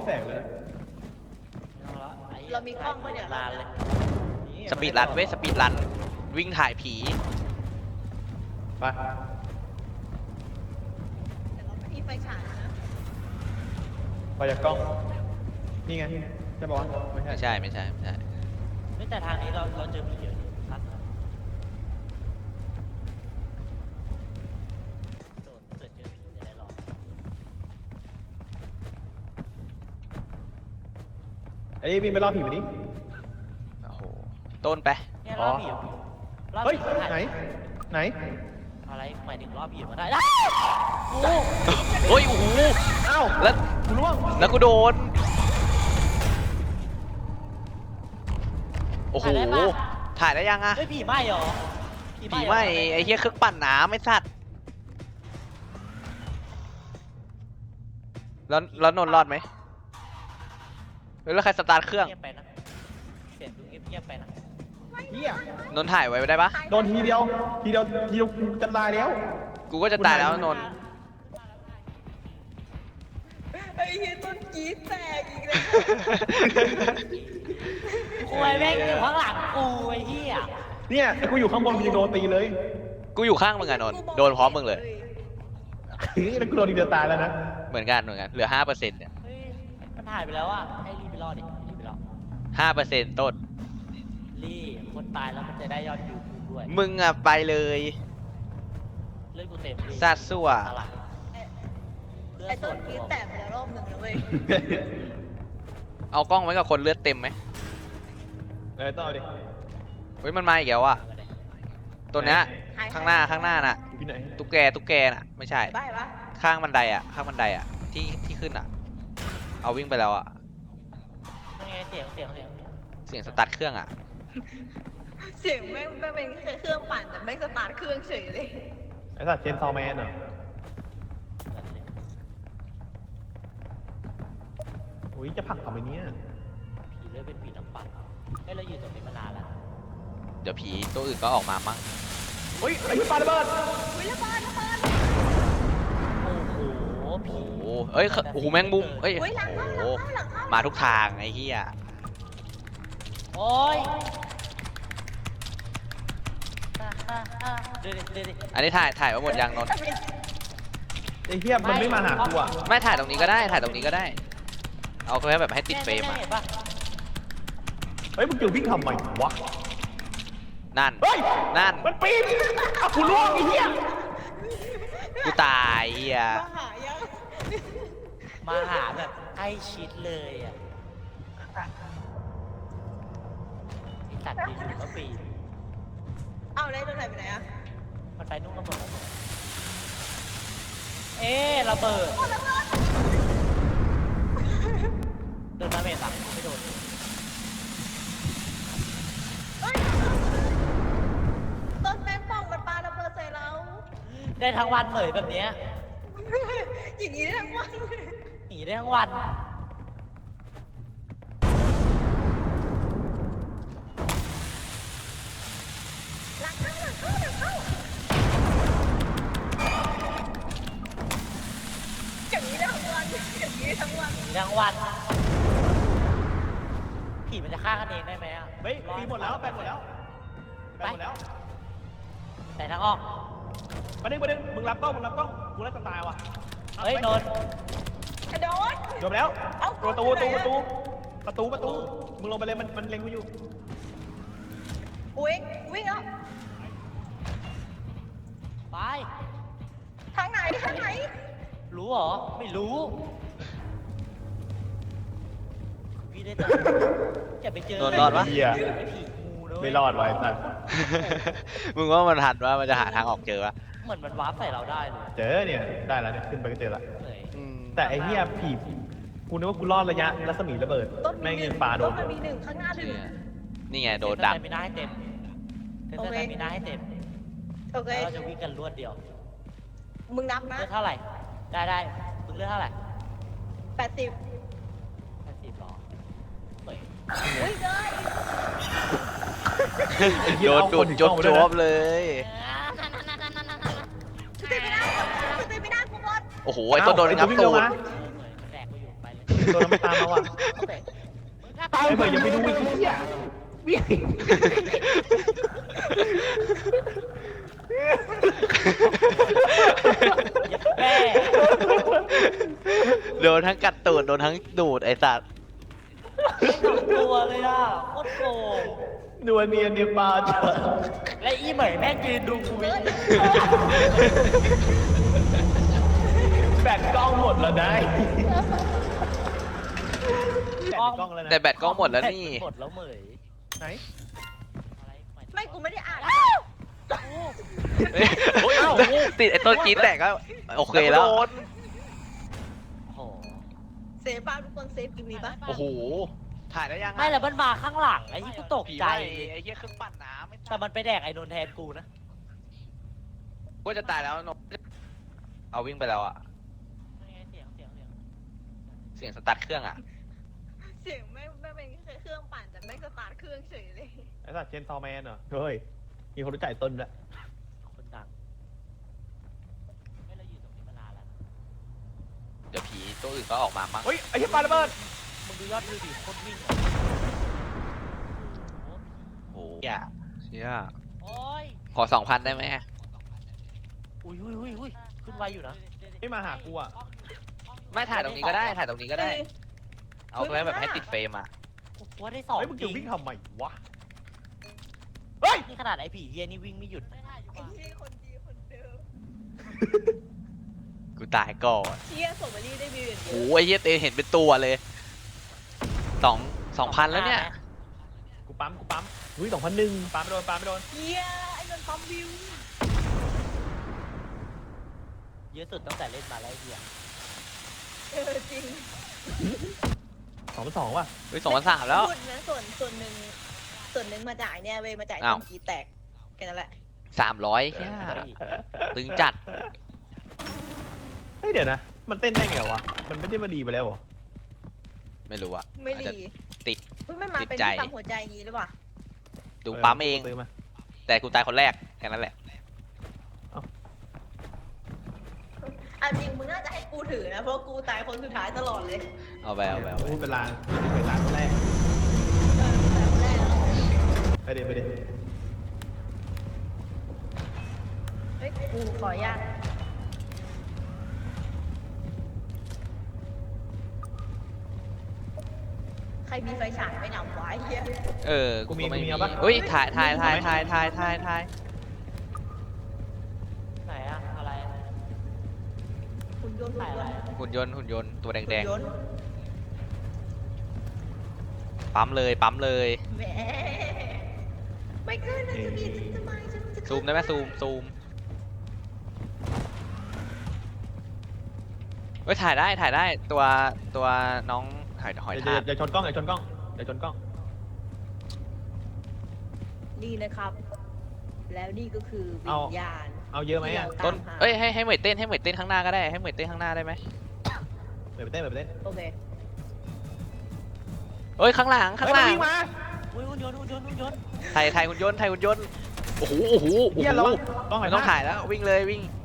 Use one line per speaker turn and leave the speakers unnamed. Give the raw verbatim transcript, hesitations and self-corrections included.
แสงเลย
เรามีกล้องปะเนี่ย
ลานเลย
สปีดรันเว้ยสปีดรันวิ่งถ่ายผี
ไป
แต่เราไม่มีไฟฉายนะ
ไปจากกล้องนี่ไงใช่ปะวะไม่ใช่
ไม่ใช่ไม่ใช่ไม่ใช่
ไม่แต่ทางนี้เราเราเจอผีเยอะครับโดนเกิดเจอผีจะได้หรอ
ไอ้นี่วิ่งไปรอบผีมาดิ
โอ้โหต้นไป
เนี่ยรอบผีรอบ
เฮ้ย
ผีถ่าย
ไหนไหน
อะไรหมายถึงรอบผีมาได้โอ้
เฮ้ยโอ้โห
อ้าว
แล้ว
กูร่วง
แล้วกูโดนโอ้โหถ่ายได้ยังอะ
เฮ้ยผีไหม้เหรอ
ผีไหม่ไอ้เหี้ยเครื่องปั่นน้ำไม่สัตว์แล้วแล้วนนท์รอดไหมเฮ้ยแล้วใครสตาร์ทเครื่อง
เงียบไปนะเสียงดูเงียบๆไปนะ
เฮีย
นนท์ถ่ายไว้ได้ปะ
โดนทีเดียวทีเดียวทีเดียวกูจะตายแล้ว
กูก็จะตายแล้วนนท์
ไอ้เหี้ยต้นกรีดแตกอีกเลย
กูไอ้แม่งอยู่ข้างหลังกูไอ้เหี้ย
เนี่ยไอ้กูอยู่ข้างบนกูยังโดนตีเลย
กูอยู่ข้างมึงอะนนท์โดนพร้อมมึงเลย
นี่แล้วกูโดนทีเดียวตายแล้วนะ
เหมือนกันเหมือนกันเหลือห้าเปอร์เซ็นต์เนี่ย
เฮ้ยมันหายไปแล้วอ่ะให้รีบไปรอดิรีบไปรอ
ห้าเปอร์เซ็นต์ต้น
รีบคนตายแล้วมันจะได้ยอดวิวกูด้วย
มึงอะไปเลย
เลือดกูเต็มรีบ
ซาดซั่ว
อะไรเลือ
ไอ้
ดส
ต้น
ด
กรีดแตกไปแล้วรอบหนึ่งแล้วเว้ย
เอากล้องไว้กับคนเลือดเต็มไหม
เออต้องเอาดิ
เฮ้ยมันมาอีกแล้วอะตัวเนี้ยข้างหน้าข้างหน้าน่ะ
อยู่ที่ไหน
ตุ๊กแกตุ๊กแกน่ะไม่ใช่
บ้าปะ
ข้างบันไดอะข้างบันไดอะที่ที่ขึ้นอะเอาวิ่งไปแล้วอะ
ยังไงเสียงเสียงเสียง
เสียงสตาร์ทเครื่องอะ
เสียงแม่งแม่งเป็นเครื่องปั่นแต่แม่งสตาร์ทเครื่องเฉยเลย
ไอ้สัตว์เชนซอว์แมนเหรออุ้ยจะผลักทำไมเนี่ย
ผีเลือดเป็นผีน้ำปั่นเฮ้ยเราอยู่ตรงนี้มานานแล้ว
เดี๋ยวผีตัวอื่นก็ออกมามั้ง
อุ้ยไอ้ที่ปาระเบิด
วิลบอลระเบิด
โอ้โหผี
โอ้โหเอ้ยโอ้โหแมงมุมเอ้ย
เฮ้ยหลัง
โอ้
เข้า
โห
หลังเข้าหลังเข้า
มาทุกทางไอ้เหี้ย
โอ้ยเดี๋ยวดิเดี๋ยวดิ
อันนี้ถ่ายถ่ายไว้หมดยังนนท์
ไอ้เหี้ยมันไม่มาหากูอ่ะ
ไม่ถ่ายตรงนี้ก็ได้ถ่ายตรงนี้ก็ได้ เอาแค่แบบให้ติดเฟรมอะ
เห็นปะ
เฮ้ยมึงจะวิ่งทำไมวะ
นั่น
เฮ้ย
นั่น
มันปีนอ่ะกูร่วงไอ้เหี้ย
กูตายเหี้ย
มาหายัง
มาหาแบบใกล้ชิดเลยอ่ะที่ตัดดีอยู่ก็ปี
เอาเลยต้นไหนไปไหนอะ
มันไปนุ่งระเบิดเอ๊ะระเบิด
โอ้ระเบิด
โดนดาเมจอ่ะไม่โดน
เฮ้ยต้นแมงป่องมันปาระเบิดใส่เรา
ได้ทั้งวันเลยแบบเนี้ย
อย่างนี้ได้ทั้งวัน
หนีได้ทั้งวัน
หลังเข้าหลังเข้าหลังเข้าอย่างนี้ได้ทั้งวันอย่างนี้ได้ทั้งวัน
หนีทั้งวันผีมันจะฆ่ากันเองได้ไหมอ่ะ
เฮ้ยปีหมดแล้วแปดหมดแล้วแปดหมดแล้ว
แต่ทั้งออก
มาดึงมาดึงมึงรับกล้องมึงรับกล้องกูไล่ตายว่ะ
เฮ้ยนนท์
กระโดด
จบแล้ว
เอ้า
ประตูประตูประตูประตูประตูมึงลงไปเลยมันมันเล็งกูอยู่
วิ่งวิ่งแล้ว
ไป
ทางไหนทางไหน
รู้เหรอ ไม่รู้พี่ได้แต่จะไปเจอ
โดนรอดปะ
เหี้ย
ไอ้ผีงูนะเว้ย
ไม่รอดไว้สัตว์
มึงว่ามันทันว่ามันจะหาทางออกเจอปะ
เหมือนมันวาร์ปใส่เราได้เลย
เจอเนี่ยได้แล้วเนี่ยขึ้นไปก็เจอละ
เหนื่อย
อืม
แต่ไอ้เหี้ยผีกูนึกว่ากูรอดระยะรัศมีระเบิด
ต้น
แม่ง
มีห
ยั
นึ่
ง
ง
ปาโด
ต้
น
นมันมีหนึ่งข้างหน้าหนึ่ง
เนี่ยนี่ไงโดนดัก
เซ็นเตอร์สตามิน่าให้เต็มเซ็นเตอร์สตามิน่าให้เต็ม
โอเค
แล้วเราจะวิ่งกันรวดเดียว
มึงนับนะ
เลือดเท่าไหร่ ได้ได้มึงเลือดเท่าไหร่
แปดสิบ
แปดสิบหรอเฮ้ย
อุ้ยเลย
โดนดูดจบจบเลย
สเตมิน่าสเตมิน่ากูหมด
โอ้โหไอ้ต้นโดนงับตูด
เหมือนแดกกูอยู่ไปเลย
ตัวนั้นมันตามมาว่ะ
โอเคมึงถ้า
ไอ้เบิร์ดอย่าไปดูไอ้เหี้ยวิ่ง
แม่
โดนทั้งกัดตูดโดนทั้งดูดไอ้สัตว์
สองตัวเลยอ่ะโคตรโกง
นัวเนียนเนียปลาเจอ
และอีเหมยแม่งยืนดูกูวิ่ง
แบตกล้องหมดแล้วได้แบตในกล้องแล้วนะ
แต่แบตกล้องหมดแล้วนี่
หมดแล้วเหมย
ไหน
อะไรหายถึง
ไม่กูไม่ได้อ่าน
เฮ้ยติดไอ้ต้นกรีดแตกก็โอเคแล้ว
โอ้โห
เซฟบ้างทุกคนเซฟกิมีปะ
โอ้โหถ่ายได้ยังอะ
ไม่แล้วมันมาข้างหลังไอ้ที่กูตก
ผี
ใจ
ไล่
เลย
ไอ้เหี้ยเครื่องปั่นน้ำไม่
แต่มันไปแดกไอ้นนท์แทนกูนะ
ก็จะตายแล้วนกเอาวิ่งไปแล้วอะ
เสียงเสียงเสียง
เสียงสตาร์ทเครื่องอะ
เสียงไม่ไม่เป็นแค่เครื่องปั่นแต่ไม่สตาร์ทเครื่องเฉยเลย
ไอ้สัตว์เชนซอแมนเหรอเฮ้ยมีคนรู้จักไอ้ต้นด้วย
คนดังไม่เราอยู่ตรงนี้มานานแล้วนะ
เดี๋ยวผีตัวอื่นก็ออกมามั้ง
เฮ้ยไอ้เหี้ยปลาระเบิด
มึงดูยอดวิวดิโคตรวิ่ง
โอ้โหเหี้ยเชี่ย
โอ้ย
ขอสองพันได้ไหม
อุ้ยอุ้ยอุ้ยอุ้ยขึ้นไวอยู่นะ
ไม่มาหากูอ่ะ
ไม่ถ่ายตรงนี้ก็ได้ถ่ายตรงนี้ก็ได้ เอาไว้แบบให้ติดเฟรมอะ
ว่าได้สอง
เฮ้ยมึง
จริ
จะ
ง
วิ่งทำไมวะ
นี่ขนาดไอ้ผีเฮียนี่วิ่งไม่หยุด
ไอ้ที่คนดีคนเดิม
กูตายก่อน
เชียส่งมารีได้วิวอย่างเดีย
โอ้
ว
โหไอ้เหี้ยเตเห็นเป็นตัวเลยสองสองพันแล้วเนี่ย
กูปั๊มกูปั๊มอุ้ยสองพันหนึ่งปั๊มไม่โดนปั๊มไม่โดน
เชียไอ้นนท์ปั๊มวิว
เยอะสุดตั้งแต่เล่นมาแล้วไอ้เฮีย
เออจริง
สองพันสองว่ะ
เฮ้ยสองพันสามแล้ว
พูดนะส่วนส่วนหนึ่งส่วนหนึ่งมาจ่ายเนี่ยเว้ยมาจ่าย
อ้าว
ต้นกีแตกแค่นั้นแหละ
สามร้อยแค่ตึงจัด
เฮ้ยเดี๋ยวนะ มันเต้นได้ไงวะ มันไม่ได้มาดีไปแล้วเหรอ
ไม่รู้อะ
ไม่
อาจจะ
ดี
ติด
เฮ้ยไม่มา
ติด
เป็น
ใจ
ที่ปั๊มหัวใจอย่างงี้หรือเปล่า
ดูปั๊มเอง
ซื้อมา
แต่กูตายคนแรกแค่นั้นแหละ
อ่ะจริงมึงน่าจะให้กูถือนะเพราะกูตายคนสุดท้ายตลอดเลย
เอาไปเอาไปเอาไป
พูดเป็นลางเป็นลางคนแรก
เออตายคนแรกแล้ว
ไปเดี๋ยวไปเดี๋ยว
เฮ้ยกูขออนุญาตใครมีไฟฉายไม่นำไว้เฮีย
เออกูก็ไม่มีเฮ้ยถ่ายถ่ายถ่ายถ่ายถ่ายถ่ายถ่าย
ไหนอะอะไร
คุณยนต์
ถ่ายอะไรอะ
หุ่นยนต์หุ่นยนต์ตัวแดง
หุ่นยนต์
ๆปั๊มเลยปั๊มเลย
แหมไม่ขึ้นนะจะมีทำไมฉันจะ
ซูมได้ไหมซูมซูมเฮ้ยถ่ายได้ถ่ายได้ตัวตัวน้องหอยหอย
เดี๋ยว
ทาก
เดี๋ยวชนกล้องเดี๋ยวชนกล้องเดี๋ยวชนกล้อง
นี่นะครับ แล้วนี่ก็คือวิญญาณ
เอาเยอะไหมอ่ะ
ต้นเอ้ยให้ให้เหมยเต้นให้เหมยเต้นข้างหน้าก็ได้ให้เหมยเต้นข้างหน้าได้ไหม
เปิดไปเต้นเปิดไปเต้น
โอเค
เอ้ยข้างหลังข้างหลัง
เฮ้ยมันวิ่งมา
อุ้ยหุ่นยนต์หุ่นยนต์หุ่นยนต์
ถ่ายถ่ายหุ่นยนต์ถ่ายหุ่นยนต์โอ้โหโอ้โหโอ้
เฮีย
โห
ระวังกล้องหน่
ไม่
อย
ต้อง
นะ
ถ่ายแล้ววิ่งเลยวิ่ง